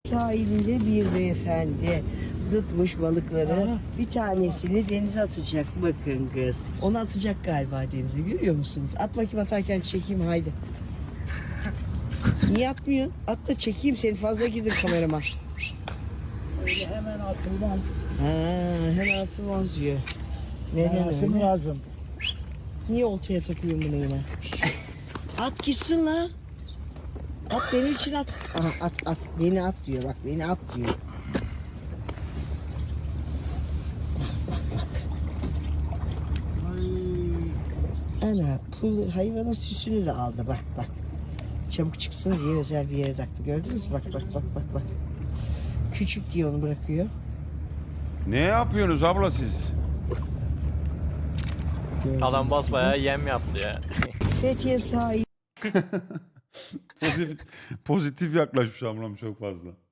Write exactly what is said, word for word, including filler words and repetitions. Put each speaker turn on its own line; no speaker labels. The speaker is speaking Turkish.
sahilinde bir beyefendi tutmuş balıkları.
Aha.
Bir tanesini denize atacak. Bakın kız. Onu atacak galiba denize. Görüyor musunuz? At bakayım, atarken çekeyim haydi. Niye atmıyorsun? At da çekeyim seni, fazla girdim kamerama.
Öyle hemen atılmaz.
Ha, hemen atılmaz diyor. Neden
Atım
öyle?
lazım.
Niye oltaya takıyorsun bunu yine? At gitsin la. At benim için at. Aha, at at. Beni at diyor, bak beni at diyor. Ana pul hayvanın süsünü de aldı, bak bak. Çabuk çıksın diye özel bir yere taktı. Gördünüz mü? Bak bak bak bak bak. Küçük diye onu bırakıyor.
Ne yapıyorsunuz abla siz?
Gördüğünüz
Adam
gibi.
basbayağı yem yaptı ya.
Fethiye sahil.
Pozitif, pozitif yaklaşmış ablam çok fazla.